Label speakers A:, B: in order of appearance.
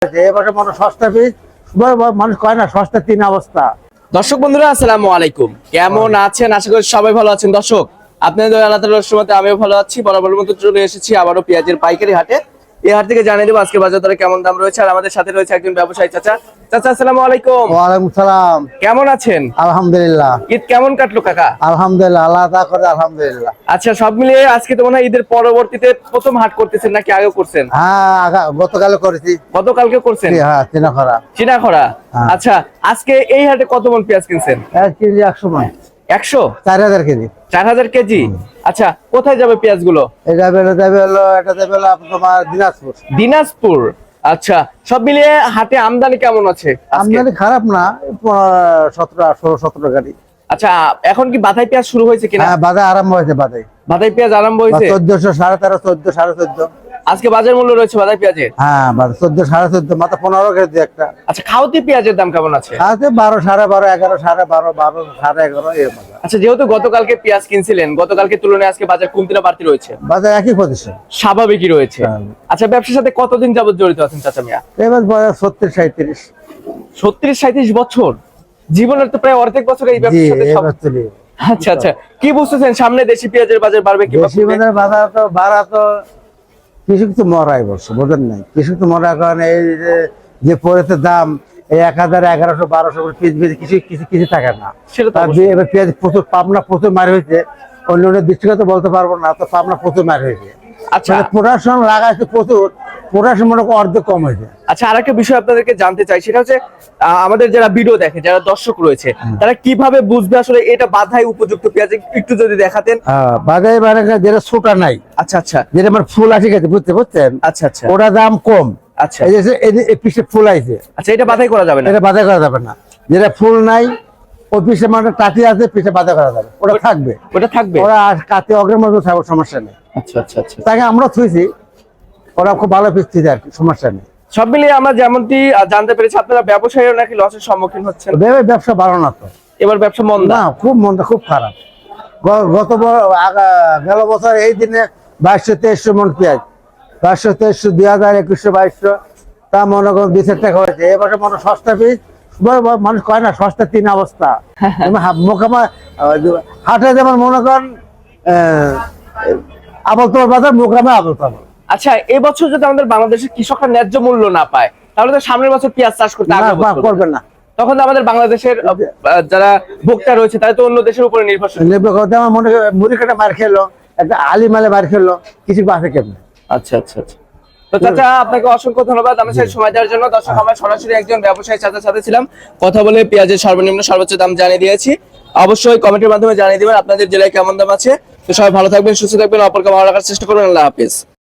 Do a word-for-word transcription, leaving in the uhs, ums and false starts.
A: এবারে মনে সস্তা পিস মানুষ কয় না সস্তা তিন অবস্থা।
B: দর্শক বন্ধুরা আসসালামু আলাইকুম, কেমন আছেন? আশা করি সবাই ভালো আছেন। দর্শক আপনাদের আল্লাহ তাআলার রহমতে আমিও ভালো আছি। বরাবর মতো চলে এসেছি আবারও পেঁয়াজের পাইকারি হাটে। এই হাট থেকে জানিয়ে দেবো আজকে বাজার দরে কেমন দাম রয়েছে। আর আমাদের সাথে রয়েছে একজন ব্যবসায়ী চাচা। চাচা আসসালামু আলাইকুম।
A: ওয়ালাইকুম সালাম।
B: কেমন আছেন?
A: আলহামদুলিল্লাহ।
B: ঈদ কেমন কাটলো কাকা?
A: আলহামদুলিল্লাহ, আল্লাহ তাআলা করে আলহামদুলিল্লাহ।
B: আচ্ছা, সব মিলিয়ে আজকে তো মনে হয় ঈদের পরবর্তীতে প্রথম হাট করতেছেন নাকি আগে করছেন?
A: হ্যাঁ, গতকাল করেছি।
B: গতকালকে করছেন?
A: হ্যাঁ, চিনাখরা।
B: চিনাখরা। আচ্ছা, আজকে এই হাটে কত মণ পেঁয়াজ কিনছেন?
A: এক কেজি একশো মণ।
B: একশো?
A: চার হাজার কেজি।
B: চার হাজার কেজি। আচ্ছা, কোথায় যাবে পেঁয়াজ গুলো?
A: এটা বেলে যাবে হলো, এটা যাবে হলো তোমার দিনাজপুর।
B: দিনাজপুর। আচ্ছা, সব মিলিয়ে হাটে আমদানি কেমন আছে?
A: আমদানি খারাপ না, সতেরো ষোলো সতেরো গাড়ি।
B: আচ্ছা, এখন কি বাধাই পেঁয়াজ শুরু হয়েছে কিনা?
A: হ্যাঁ, বাজার আরম্ভ হয়েছে। বাজার
B: বাধাই পেঁয়াজ আরম্ভ হয়েছে।
A: চোদ্দশো সাড়ে তেরো চোদ্দ সাড়ে চোদ্দ
B: আজকে বাজার মূল্য রয়েছে বাধাই পেঁয়াজের।
A: হ্যাঁ, চোদ্দ সাড়ে চোদ্দ মাত্র পনেরো কেজি একটা।
B: আচ্ছা, খাওয়াতি পেঁয়াজের দাম কেমন আছে?
A: আছে বারো সাড়ে বারো এগারো সাড়ে বারো বারো সাড়ে এগারো এর মধ্যে।
B: আচ্ছা, যেহেতু গতকালকে পেঁয়াজ কিনছিলেন, গতকালকে তুলনায় আজকে বাজার কমতি না বাড়তি রয়েছে?
A: বাজার একই পজিশন,
B: স্বাভাবিকই রয়েছে। আচ্ছা, ব্যবসার সাথে কতদিন যাবত জড়িত আছেন চাচা মিয়া?
A: এবার বয়স ছত্রিশ সাঁত্রিশ।
B: ছত্রিশ সাঁত্রিশ বছর জীবনের তো প্রায় অর্ধেক বছর এই ব্যবসার সাথে সব। আচ্ছা আচ্ছা, কি বুঝতেছেন সামনে দেশি পেঁয়াজের বাজার বাড়বে কি?
A: দেশি পেঁয়াজের বাজার তো বাড়া তো কৃষক তো মরাই বলছে, বোঝেন নাই? কৃষক তো মরা, কারণ এই যে পড়েছে দাম এই এক হাজার এগারোশো বারোশো পিস বেশি কিছু কিছু কিছু থাকে না। এবার পেঁয়াজ প্রচুর পাবনা প্রচুর মার হয়েছে, অন্য অন্য দৃষ্টিগত বলতে পারবো না, তো পাবনা প্রচুর মার হয়েছে।
B: আচ্ছা,
A: প্রোডাকশন লাগাইছে প্রচুর, প্রোডাকশন মনে করো অর্ধেক কম হয়েছে।
B: আচ্ছা, আরেকটা বিষয় আপনাদেরকে জানতে চাই, সেটা হচ্ছে আমাদের যারা ভিডিও দেখে, যারা দর্শক রয়েছে, তারা কিভাবে বুঝবে আসলে এটা বাধাই উপযুক্ত পেঁয়াজ? একটু যদি দেখাতেন।
A: বাধাই মানে যেটা ছোটা নাই।
B: আচ্ছা আচ্ছা,
A: যেটা আমার ফুল আসে গেছে, বুঝতে পারছেন?
B: আচ্ছা আচ্ছা,
A: ওটা দাম কম।
B: আচ্ছা,
A: এই যে এই পিসে ফুল আইছে,
B: আচ্ছা, এটা বাধাই করা যাবে না?
A: এটা বাধাই করা যাবে না। যেটা ফুল নাই ওই পিসে মানে টাটি আছে, পিসে বাধাই করা যাবে, ওটা থাকবে।
B: ওটা থাকবে,
A: ওরা কাতে অগ্রের মধ্যে থাকবে, সমস্যা নেই।
B: আচ্ছা আচ্ছা আচ্ছা,
A: তাকে আমরা থুইছি, ওরা খুব ভালো পিস দিতে আর কি, সমস্যা নেই।
B: সব মিলিয়ে আমরা যেমনটি জানতে পেরেছি আপনারা ব্যবসায়ীরা নাকি লসের সম্মুখীন হচ্ছেন।
A: ব্যবসা ভালো না তো,
B: এবার ব্যবসা মন্দা?
A: না, খুব মন্দা, খুব খারাপ। গত গেল বছর এই দিনে বাইশশো তেইশশো মন পেঁয়াজ, বাইশশো তেইশশো দুই হাজার একুশশো বাইশশো তা মনে করুন দুই চার টাকা হয়েছে। এবারে মনে সস্তা পিস মানুষ কয় না সস্তা তিন অবস্থা। মোকামা হাটে যেমন মনে করেন আবলতল বাজার, মোকামে আবলতল।
B: আচ্ছা, এবছর যদি আমাদের বাংলাদেশের কৃষকরা ন্যায্য মূল্য না পায়, তাহলে তো সামনের বছর পেঁয়াজ চাষ করতে
A: করবে না।
B: তখন তো আমাদের বাংলাদেশের যারা ভোক্তা রয়েছে তারা তো অন্য দেশের উপরে নির্ভরশীল।
A: নির্ভর করতে আমার মনে হয় মুড়ি কাটা মার খেলো, একটা আলি মালে মার খেলো, কিছু বাসে কেমন।
B: আচ্ছা আচ্ছা আচ্ছা, তো চাচা আপনাকে অসংখ্য ধন্যবাদ আমার সাথে সময় দেওয়ার জন্য। দর্শক, আমরা সরাসরি একজন ব্যবসায়ী চাচার সাথে ছিলাম, কথা বলে পেঁয়াজের সর্বনিম্ন সর্বোচ্চ দাম জানিয়ে দিয়েছি। অবশ্যই কমেন্টের মাধ্যমে জানিয়ে দিবেন আপনাদের জেলায় কেমন দাম আছে। তো সবাই ভালো থাকবেন, সুস্থ থাকবেন, অপরকে ভালো রাখার চেষ্টা করবেন। আল্লাহ হাফেজ।